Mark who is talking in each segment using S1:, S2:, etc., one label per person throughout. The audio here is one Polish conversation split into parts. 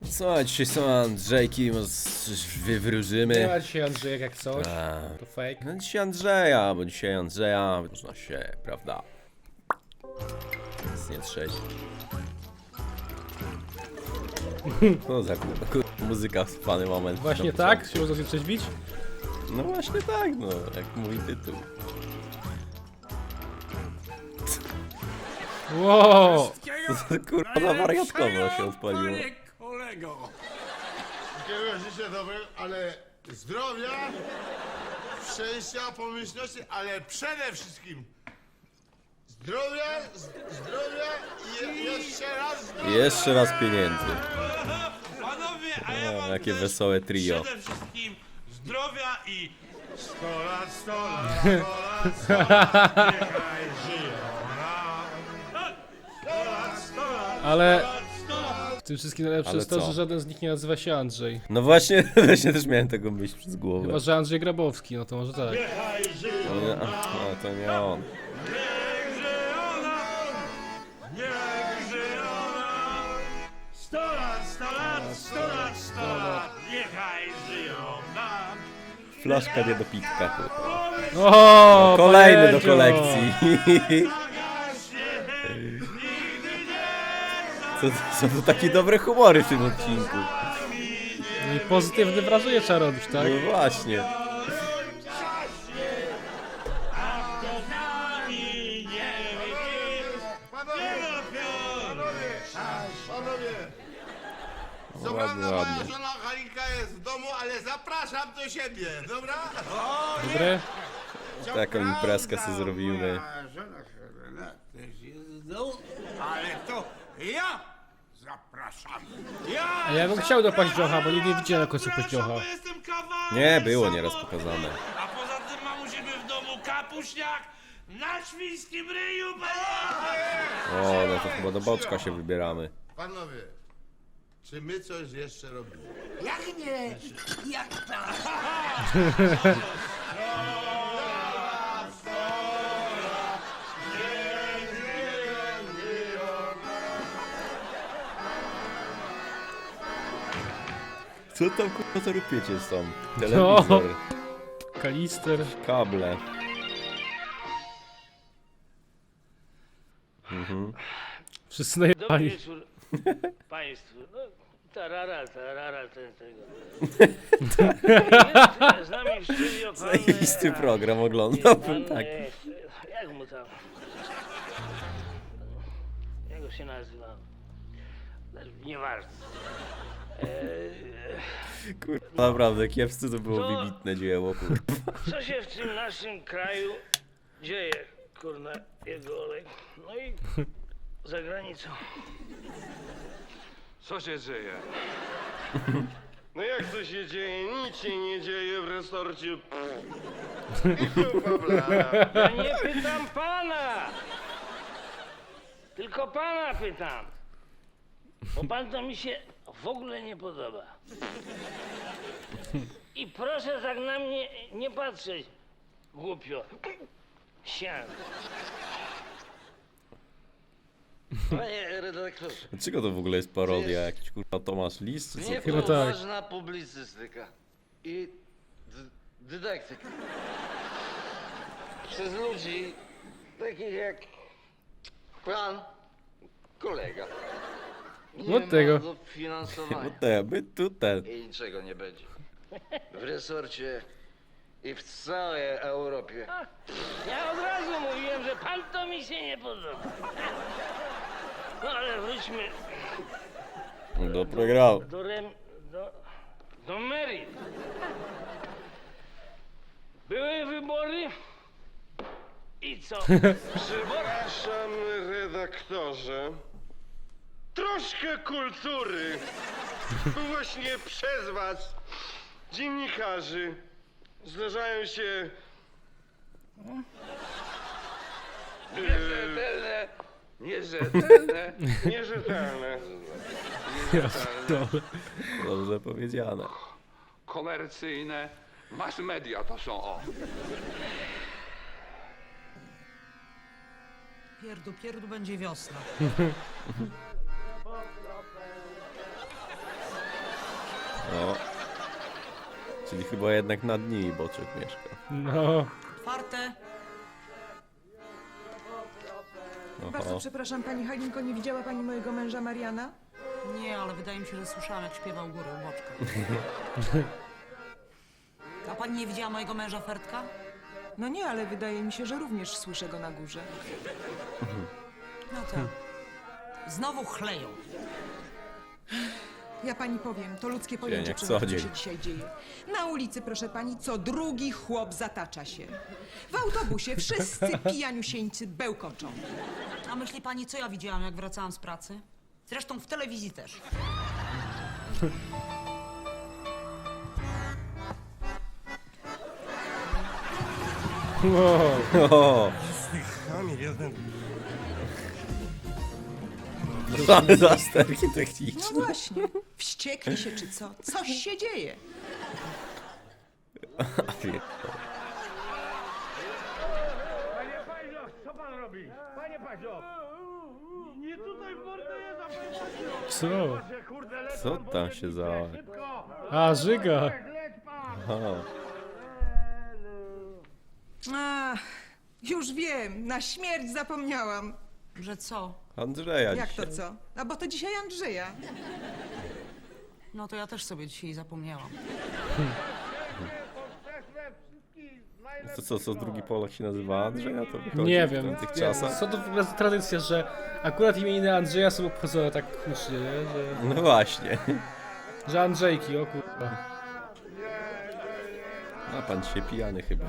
S1: Co, dzisiaj są Andrzejki, może coś wywróżymy.
S2: Nie ma dzisiaj Andrzejek jak coś, to fake.
S1: No dzisiaj Andrzeja, bo dzisiaj Andrzeja można się, prawda? Nic nie trzeć. No za muzyka w fany moment.
S2: Właśnie tak? Się można się przeźbić?
S1: No właśnie tak, no, jak mówi tytuł.
S2: Wow!
S1: Kurwa, na wariatkowo się odpaliło.
S3: Kolego!
S4: Wszystkiego życzę dobrego, ale zdrowia, szczęścia, pomyślności, ale przede wszystkim zdrowia, zdrowia i jeszcze raz zdrowia.
S1: Jeszcze raz pieniędzy.
S3: Panowie, a ja
S1: O,
S3: wam
S1: jakie
S3: też
S1: wesołe trio.
S3: przede wszystkim zdrowia i
S4: 100 lat, 100 lat, 100 lat, 100 lat, niechaj żyją nam. 100 lat, 100 lat,
S2: Ale
S4: 100 lat.
S2: w tym wszystkim najlepsze
S1: Ale
S2: jest to,
S1: co?
S2: że żaden z nich nie nazywa się Andrzej.
S1: No właśnie, właśnie też miałem tego myśl przez głowę.
S2: Chyba, że Andrzej Grabowski, no to może tak.
S4: Niechaj żyją
S1: No, nie, no to nie on.
S3: niech żyją nam, niech żyją nam. 100 lat, 100 lat, 100 lat, 100 lat, niechaj żyją nam.
S1: Flaszka nie do pitka, kurwa.
S2: O,
S1: Kolejny do
S2: pajęcio!
S1: kolekcji.
S3: Zagaśnie, nigdy nie
S1: To są to takie dobre humory w tym odcinku.
S2: No i pozytywne wrażenie trzeba robić, tak?
S1: No właśnie.
S3: A kto z nami nie wyjdzie,
S4: Panowie, panowie, co
S1: Ładnie,
S4: prawda moja
S1: ładnie.
S4: żona Halinka jest w domu, ale zapraszam do siebie, dobra?
S2: Dobre?
S1: Taką imprezkę sobie zrobimy.
S4: Moja żona Helena też jest w domu, ale to ja zapraszam.
S2: A ja bym chciał do paździocha, bo nigdy nie widziałem na końcu paździocha.
S3: Bo jestem kawałek
S1: Nie, było nieraz
S3: samotny.
S1: pokazane.
S3: A poza tym mam u siebie w domu kapuśniak na świńskim ryju, panie!
S1: O, no to chyba do boczka się wybieramy.
S4: Panowie, czy my coś jeszcze robimy?
S5: Jak nie? Jak tak?
S1: Co tam kurwa za rupiecie są? Telewizor,
S2: Kalister.
S1: kable.
S2: Wszyscy
S6: Dobry
S2: najebani.
S6: wieczór Państwu. No, tarara, ten tego. Z nami w studio pan...
S1: Zajebisty program
S6: pan,
S1: oglądałbym, tak.
S6: Jak mu tam? Jak go się nazywa? Nieważne.
S1: Kurwa, naprawdę, kiepscy to było
S6: To-
S1: wybitne dzieło, kurwa.
S6: Co się w tym naszym kraju dzieje, kurna, jego olej? No i za granicą.
S7: Co się dzieje? No jak to się dzieje? Nic się nie dzieje w resorcie.
S6: Ja nie pytam pana! Tylko pana pytam. Bo pan to mi się w ogóle nie podoba. I proszę tak na mnie nie patrzeć głupio. Sian.
S8: Panie redaktorze,
S1: Dlaczego to w ogóle jest parodia? Jakiś kurwa Tomasz Lis, czy co?
S8: nie
S2: Chyba tak.
S8: poważna publicystyka i dydaktyka. Przez ludzi takich jak pan kolega. Nie
S2: Od tego.
S8: ma dofinansowania
S1: No te, my tutaj.
S8: i niczego nie będzie. W resorcie i w całej Europie.
S6: Ja od razu mówiłem, że pan to mi się nie podoba. No ale wróćmy
S1: Do programu.
S6: do Mary. Były wybory i co?
S7: Przepraszam, redaktorze. Troszkę kultury. Właśnie przez was, dziennikarzy, zdarzają się...
S8: Nierzetelne, nierzetelne.
S7: Nierzetelne.
S1: Dobrze powiedziane.
S7: Komercyjne. Mass media to są o.
S5: Pierdu będzie wiosna.
S1: No. Czyli chyba jednak na dni Boczek mieszka.
S2: No.
S9: Otwarte.
S5: Bardzo
S1: Oho.
S5: przepraszam, pani Halinko, nie widziała pani mojego męża Mariana?
S9: Nie, ale wydaje mi się, że słyszałam, jak śpiewał górę u boczka. A pani nie widziała mojego męża Fertka?
S5: No nie, ale wydaje mi się, że również słyszę go na górze.
S9: No tak. Znowu chleją.
S5: Ja pani powiem, to ludzkie
S1: jak
S5: pojęcie
S1: co
S5: co
S1: dzień.
S5: się dzisiaj dzieje. Na ulicy, proszę pani, co drugi chłop zatacza się. W autobusie wszyscy pijaniusieńcy bełkoczą.
S9: A myśli pani, co ja widziałam, jak wracałam z pracy? Zresztą w telewizji też.
S2: Wow.
S1: O,
S4: Kamil, jeden.
S1: ale zasterki
S5: No
S1: techniczne.
S5: właśnie, wściekli się czy co? Coś się dzieje.
S3: Panie Paździo, co pan robi? Panie Paździo! Nie tutaj w mordę jest, a panie Paździo!
S2: Co?
S3: Patrzę, kurde, leć
S1: Co
S3: pan, bo
S1: tam
S3: nie
S1: się
S3: widzę.
S1: za...
S3: Szybko!
S2: A, żyga.
S3: Leć pan!
S1: Aha.
S5: A, już wiem, na śmierć zapomniałam.
S9: Że co?
S1: Andrzeja
S5: Jak to
S1: dzisiaj.
S5: co? A bo to dzisiaj Andrzeja.
S9: No to ja też sobie dzisiaj zapomniałam.
S1: To co drugi Polak się nazywa Andrzeja? To wychodzi
S2: Nie
S1: w
S2: wiem.
S1: tych
S2: Nie,
S1: czasach?
S2: co to w ogóle za tradycja, że akurat imieniny Andrzeja są obchodzone tak hucznie, nie?
S1: No właśnie.
S2: Że Andrzejki, o kurwa.
S1: A pan dzisiaj pijany chyba.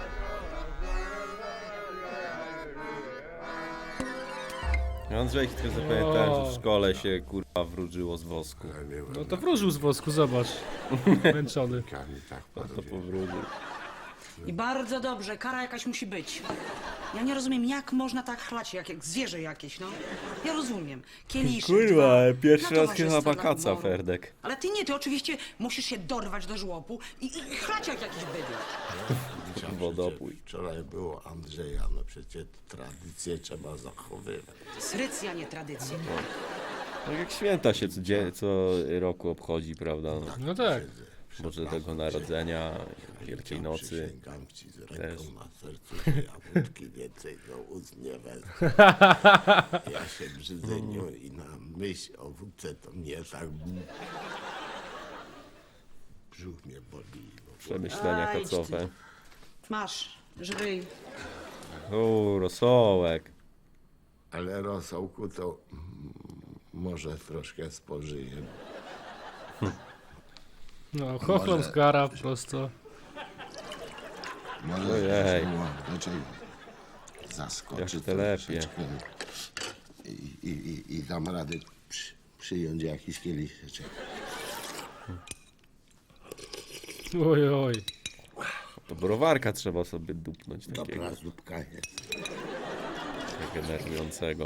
S1: Andrzejki tylko zapamiętałem, że w szkole się kurwa wróżyło z wosku.
S2: No to wróżył z wosku, zobacz. Męczony.
S4: Kamil, tak,
S1: To powróżył.
S9: I bardzo dobrze, kara jakaś musi być. Ja nie rozumiem, jak można tak chlać, jak zwierzę jakieś, no. Ja rozumiem. Kieliszek,
S1: Kurwa,
S9: dwa,
S1: pierwszy
S9: na
S1: raz chyba
S9: towarzystwo dla
S1: wakaca,
S9: humoru.
S1: Ferdek.
S9: Ale ty nie, ty oczywiście musisz się dorwać do żłobu i chlać jak jakiś bydlak.
S1: Wodopój.
S4: Wczoraj było Andrzeja, no przecież tradycję trzeba zachowywać.
S9: To jest rycja, nie tradycja.
S1: Tak jak święta się co roku obchodzi, prawda? No,
S2: No tak.
S1: Bożego Narodzenia, Wielkiej Nocy.
S4: Przysięgam ci z
S1: też.
S4: ręką na sercu, że ja wódki więcej do ust nie wezmę. Ja się brzydzę nią i na myśl o wódce to mnie tak... Brzuch mnie boli. No.
S1: Przemyślenia
S9: Aj,
S1: kacowe.
S9: Masz, żryj.
S1: O, rosołek.
S4: Ale rosołku to może troszkę spożyję.
S2: No, chochlą z gara prosto.
S4: Może
S1: Ojej.
S4: raczej zaskoczy
S1: Jak telepie.
S4: troszeczkę i dam radę przyjąć jakiś kieliszeczek.
S2: Oj, oj.
S1: To browarka trzeba sobie dupnąć takiego
S4: Dobra, zupka jest.
S1: generującego.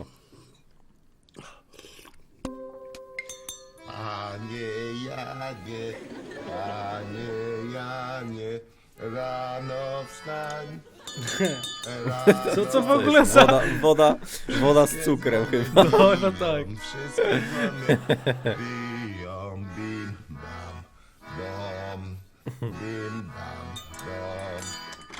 S4: Panie Janie, panie Janie, rano wstań.
S2: Co w ogóle za...
S1: Woda z cukrem chyba.
S2: No, no tak.
S4: Wszystko mamy. Biją, bim, bam, dom. Bim, bam, dom.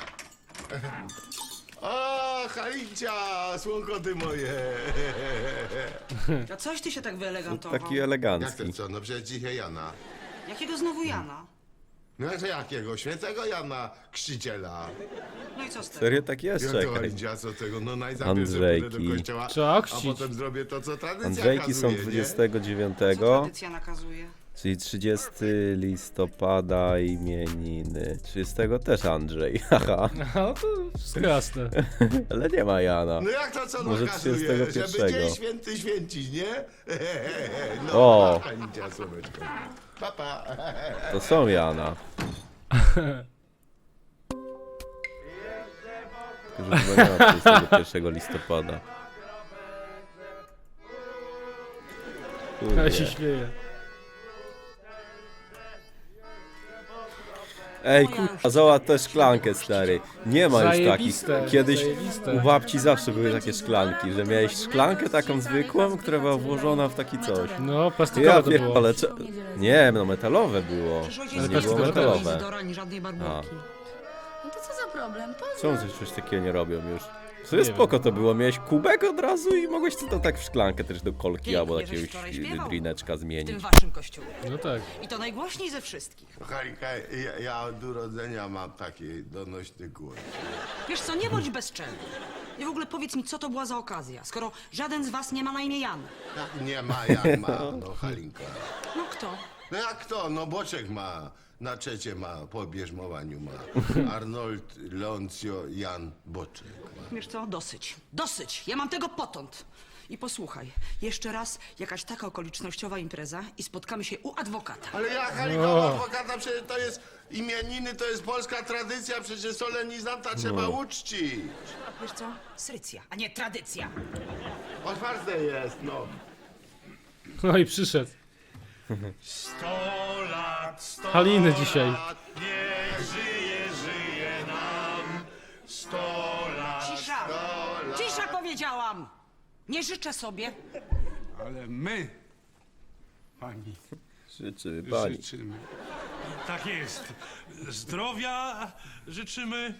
S4: O, Halincia, słonko ty moje.
S9: A coś ty się tak wyelegantował?
S1: Taki
S4: Jak
S1: elegancki.
S4: to co? No przecież dzisiaj Jana.
S9: Jakiego znowu Jana?
S4: No to jakiego? Świętego Jana Chrzciciela.
S9: No i co z tego?
S1: Serio tak jest,
S4: Jak to
S1: czekaj.
S4: Halincia, co tego? No najpierw
S1: Andrzejki.
S4: pójdę do kościoła,
S2: Trzeba
S4: a
S2: chrzcić.
S4: potem zrobię to, co tradycja
S1: Andrzejki są
S4: kazuje, nie?
S1: 29,
S9: Co tradycja nakazuje?
S1: czyli 30 listopada imieniny. 30 też Andrzej, haha.
S2: No to wszystko jasne.
S1: Ale nie ma Jana.
S4: No jak to co
S1: Może
S4: nakazuje?
S1: 31.
S4: Żeby dzień święty święcić, nie? No,
S1: O.
S4: Halincia, słoneczko. Pa, pa.
S1: To są Jana. Tylko, że chyba nie ma 31 listopada.
S2: Ale się
S1: Kurde.
S2: śmieje.
S1: Ej,
S9: No ja
S1: kurwa,
S9: już
S1: zobacz
S9: nie
S1: tę
S9: wiem,
S1: szklankę,
S9: już nie
S1: stary. Nie ma już takich.
S2: Zajebiste,
S1: Kiedyś
S2: zajebiste.
S1: u babci zawsze były takie szklanki, że miałeś szklankę taką zwykłą, która była włożona w taki coś.
S2: No,
S1: Ja
S2: plastikowe to było.
S1: pierdolę, nie, no metalowe było.
S9: Przecież ojciec
S1: To nie
S9: nie
S1: było
S9: chce
S1: metalowe.
S9: Izidora ani żadnej barburki.
S10: No to co za problem?
S1: Czemu coś takiego nie robią już? W sumie
S2: Nie
S1: spoko to było, miałeś kubek od razu i mogłeś sobie to tak w szklankę też do kolki
S9: Pięknie,
S1: albo
S9: żeś
S1: jakiegoś
S9: wczoraj śpiewał.
S1: drineczka
S9: W tym
S1: zmienić.
S9: waszym kościele.
S2: No tak.
S9: I to najgłośniej ze wszystkich.
S4: Halinka, ja od urodzenia mam taki donośny głos.
S9: Wiesz co, nie bądź bezczelny. I w ogóle powiedz mi, co to była za okazja, skoro żaden z was nie ma na imię Jan.
S4: Jak nie ma, jak ma, no Halinka.
S9: No kto?
S4: No jak to? No Boczek ma, na trzecie ma, po bierzmowaniu ma. Arnold Leoncio Jan Boczek.
S9: Wiesz co, dosyć. Dosyć! Ja mam tego potąd. I posłuchaj, jeszcze raz jakaś taka okolicznościowa impreza i spotkamy się u adwokata.
S4: Ale ja Halinka, adwokata, przecież to jest imieniny, to jest polska tradycja, przecież solenizanta trzeba uczcić.
S9: Wiesz co? Srycja, a nie tradycja.
S4: Otwarte jest, no.
S2: No i przyszedł.
S3: 100 lat, 100
S2: Haliny dzisiaj.
S3: lat, niech żyje nam. 100 lat.
S9: Cisza! Cisza powiedziałam! Nie życzę sobie.
S11: Ale my, pani,
S1: Życzymy pani.
S11: życzymy.
S3: Tak jest. Zdrowia życzymy.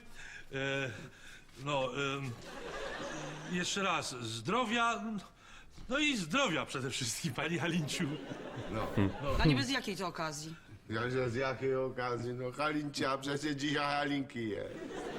S3: Jeszcze raz, zdrowia. No i zdrowia przede wszystkim, pani Halinciu.
S9: A niby z jakiej to okazji?
S4: Ja że z jakiej okazji? No Halincia, przecież dzisiaj Halinki jest.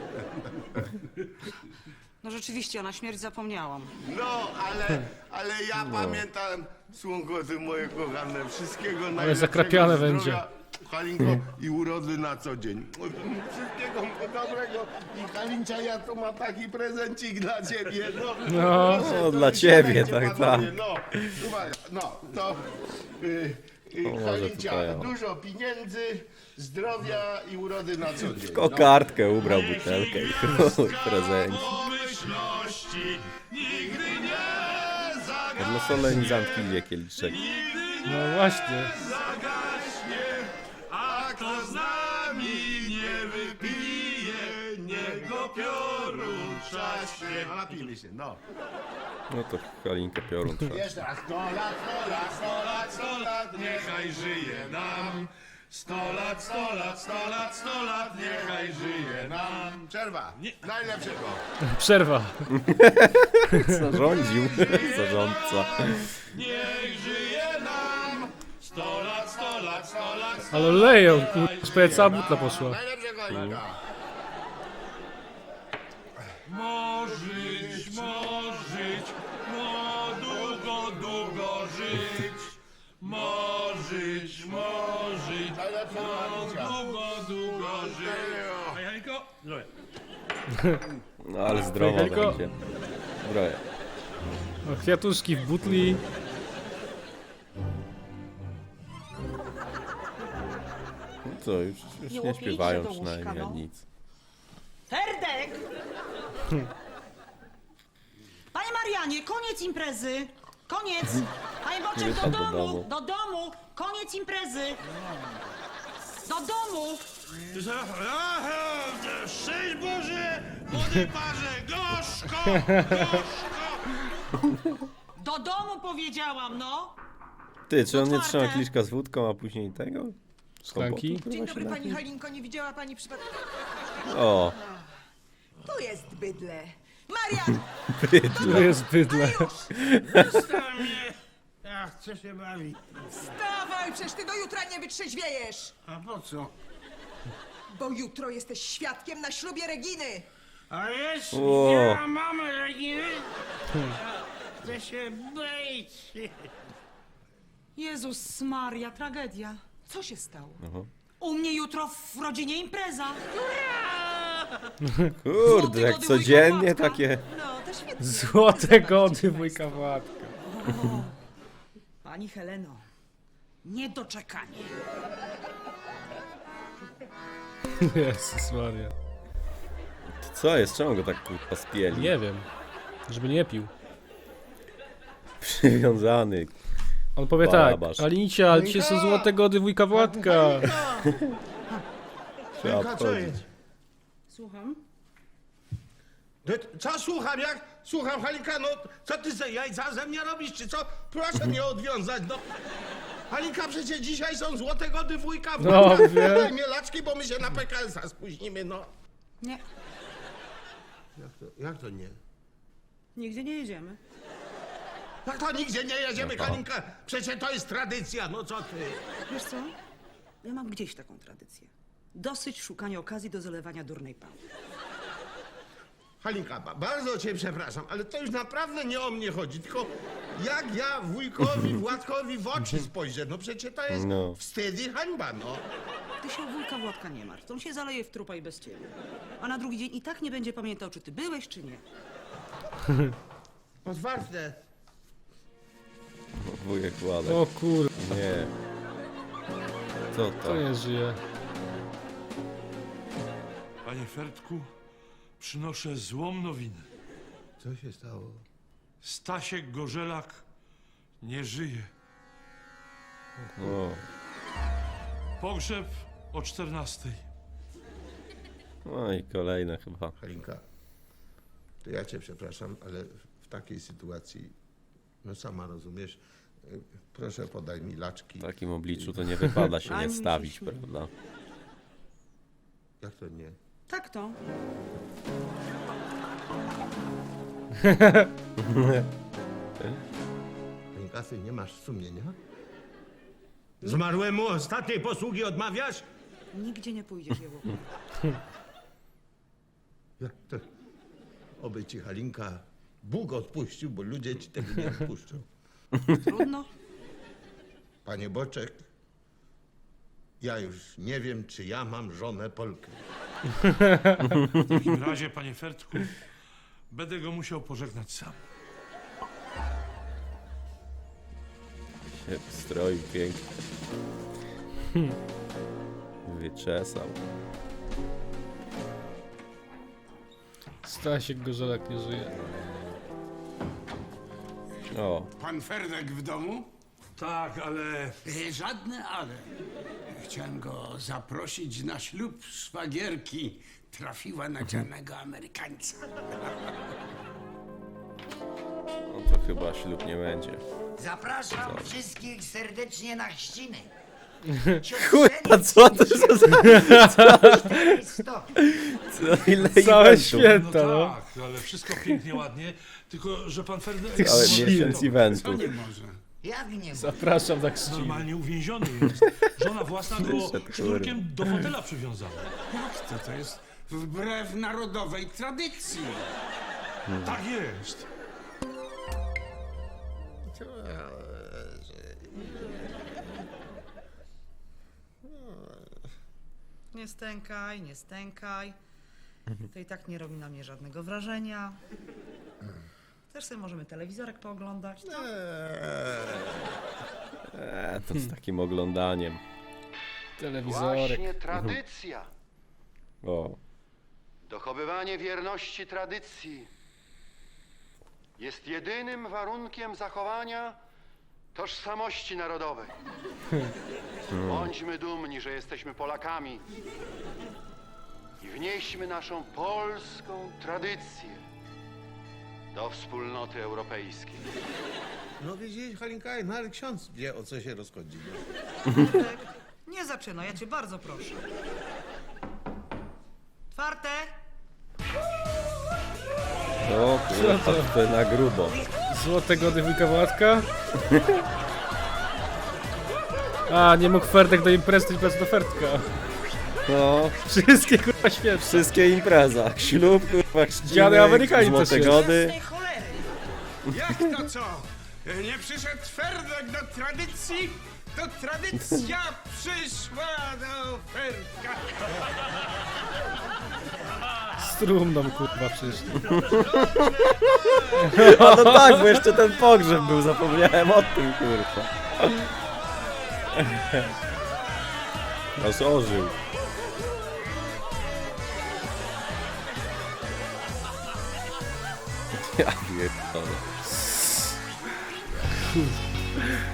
S9: No rzeczywiście, na śmierć zapomniałam.
S4: No, ale ja pamiętam, słonko ty moje kochane, wszystkiego najlepszego.
S2: zakrapiane
S4: zdrowia,
S2: będzie.
S4: Halinko, i urody na co dzień. Wszystkiego dobrego. I Halincia, ja tu mam taki prezencik dla ciebie.
S1: No, dla ciebie, tak, tak.
S4: panowie, No, uwaga, no, to...
S1: może
S4: Halincia,
S1: tutaj, o.
S4: dużo pieniędzy, zdrowia i urody na co dzień.
S1: Kokardkę ubrał butelkę i prezent.
S3: Pomyślności nigdy nie zagaśnie.
S1: Dla solenizantki wie kieliszek.
S2: No właśnie.
S3: Zagaśnie, a kto z nami nie wypije, niech go piorun trzaśnie.
S4: Napijmy się, no.
S1: No to Halinkę piorun trzeba.
S4: Jeszcze raz, 100 lat, 100 lat, 100 lat, 100 lat,
S3: Niechaj żyje nam. 100 lat, 100 lat, 100 lat, 100 lat, niechaj żyje nam.
S4: Przerwa. Najlepszego.
S2: Przerwa.
S1: Zarządził. Zarządca.
S3: Niech żyje nam. 100 lat, 100 lat, 100 lat, 100
S2: Ale leją, kurwa, cała butla poszła.
S4: Najlepszego, Halinka.
S3: Możeć, długo, długo żyć. Możeć, długo żyć. A Janko? Zdrowie.
S1: No ale zdrowo
S2: Halinko?
S1: będzie. Zdrowie.
S2: O, kwiatuszki w butli.
S1: No co, już nie
S9: łopijcie
S1: śpiewają
S9: do łóżka,
S1: przynajmniej
S9: no.
S1: nic.
S9: Ferdek! Panie Marianie, koniec imprezy! Koniec! Panie Boczek,
S1: Nie
S9: do
S1: tam do
S9: domu!
S1: domu.
S9: Do domu! Koniec imprezy! Do domu!
S3: Szczęść Boże, młody parze, gorzko, gorzko.
S9: Do domu powiedziałam, no!
S1: Ty, czy on nie
S9: Otwarte.
S1: trzyma kieliszka z wódką, a później tego?
S2: Szklanki?
S1: Kompotu,
S5: Dzień
S1: kurwa,
S5: dobry,
S1: się
S5: pani
S1: napił?
S5: Halinko, nie widziała pani przypadkiem?
S1: O,
S5: Tu jest bydlę. Marian!
S2: Tu jest bydle.
S3: Zostaw mnie. Ja chcę się bawić.
S5: Wstawaj, przecież ty do jutra nie wytrzeźwiejesz!
S3: A po co?
S5: Bo jutro jesteś świadkiem na ślubie Reginy!
S3: A jest,
S1: O.
S3: ja mamy Reginy. Chcę się być.
S9: Jezus Maria, tragedia.
S5: Co się stało?
S9: U mnie jutro w rodzinie impreza.
S1: kurde, jak
S9: gody
S1: codziennie
S9: wujka Władka.
S1: takie...
S5: No, to świetnie.
S2: Złote gody wujka Władka.
S9: Pani Heleno, niedoczekanie.
S2: Jezus Maria.
S1: Co jest? Czemu go tak kurwa spieli?
S2: Nie wiem. Żeby nie pił.
S1: Przywiązany.
S2: On powie tak,
S1: Barabasz.
S2: Alicia, ale dzisiaj są złote gody wujka Władka.
S1: Trzeba
S4: Halinka, co
S1: obchodzić.
S4: jest?
S9: Słucham?
S4: No, co słucham, jak? Słucham, Halinka, no co ty ze jajca ze mnie robisz, czy co? Proszę mnie odwiązać, no. Halinka, przecież dzisiaj są złote gody wujka.
S2: No, wiem.
S4: Daj mnie laczki, bo my się na PKS-a spóźnimy, no.
S9: Nie,
S4: Jak to nie?
S9: nigdzie nie jedziemy.
S4: Jak to nigdzie nie jedziemy,
S1: No to.
S4: Halinka? Przecież to jest tradycja, no co ty?
S9: Wiesz co? Ja mam gdzieś taką tradycję. Dosyć szukania okazji do zalewania durnej pały.
S4: Halinka, bardzo cię przepraszam, ale to już naprawdę nie o mnie chodzi, tylko jak ja wujkowi, Władkowi w oczy spojrzę, no przecież to jest
S1: No.
S4: wstyd i hańba, no.
S9: Ty się o wujka Władka nie martw. On się zaleje w trupa i bez ciebie. A na drugi dzień i tak nie będzie pamiętał, czy ty byłeś, czy nie.
S4: Otwarte.
S1: Wujek Władek.
S2: O kur...
S1: Nie. Co
S2: To
S1: to?
S2: nie żyje.
S3: Panie Fertku, przynoszę złą nowinę.
S4: Co się stało?
S3: Stasiek Gorzelak nie żyje.
S1: O.
S3: Pogrzeb o 14:00.
S1: No i kolejne chyba.
S4: Halinka, to ja cię przepraszam, ale w takiej sytuacji, no sama rozumiesz, proszę podaj mi laczki.
S1: W takim obliczu to nie wypada się
S9: Ani
S1: nie
S9: mi się
S1: stawić,
S9: śmieje.
S1: prawda?
S4: Jak to nie?
S9: Tak to.
S4: Halinka, ty nie masz sumienia? Zmarłemu ostatniej posługi odmawiasz?
S9: Nigdzie nie pójdziesz, Jełopie.
S4: Jak to? Oby ci, Halinka, Bóg odpuścił, bo ludzie ci tego nie odpuszczą.
S9: Trudno.
S4: Panie Boczek, ja już nie wiem, czy ja mam żonę Polkę.
S3: W takim razie, panie Fertku, będę go musiał pożegnać sam.
S1: Się stroił pięknie. Wyczesał.
S2: Stasiek Gorzelak nie żyje.
S1: O,
S11: Pan Ferdek w domu?
S3: Tak, ale
S11: Żadne ale. Chciałem go zaprosić na ślub szwagierki. Trafiła na dzielnego Amerykańca.
S1: no to chyba ślub nie będzie.
S12: Zapraszam wszystkich serdecznie na chrzciny.
S1: Kurwa, co to za... Ile
S2: Całe
S1: eventów?
S2: święta,
S3: no
S2: no.
S3: tak, ale wszystko pięknie, ładnie, tylko że pan Ferdek
S1: Cały
S2: Święta.
S1: miesiąc
S11: Co
S1: eventów.
S11: nie może?
S12: Jak nie?
S2: Zapraszam na chrzciny.
S3: normalnie uwięziony jest. Żona własna go
S1: Wyszedł,
S3: sznurkiem do fotela przywiązała.
S11: Jak to? To jest wbrew narodowej tradycji.
S3: Tak jest.
S9: Nie stękaj, nie stękaj. To i tak nie robi na mnie żadnego wrażenia. Też sobie możemy telewizorek pooglądać. Co?
S1: To z takim oglądaniem.
S2: Telewizorek.
S8: Właśnie tradycja.
S1: O,
S8: Dochowywanie wierności tradycji jest jedynym warunkiem zachowania tożsamości narodowej. Bądźmy dumni, że jesteśmy Polakami i wnieśmy naszą polską tradycję do wspólnoty europejskiej.
S4: No widzisz, Halinka, nawet ksiądz wie, o co się rozchodzi.
S9: Nie zaczynaj, ja cię bardzo proszę. Otwarte!
S1: o kurwa, to na grubo.
S2: Złote gody wujka Władka? A, nie mógł Ferdek do imprezy, to impreza do Ferdka.
S1: No,
S2: Wszystkie kurwa święta.
S1: wszystkie impreza. Ślub, kurwa, chrzciny,
S2: Dziady Amerykańcy
S1: złote
S2: się.
S1: gody.
S9: Tej cholery!
S11: Jak to co? Nie przyszedł Ferdek do tradycji? To tradycja przyszła do Ferdka.
S2: Z trumną kurwa przyszli.
S1: A no tak, bo jeszcze ten pogrzeb był, zapomniałem o tym, kurwa. Aż ożył. Ja pierdolę.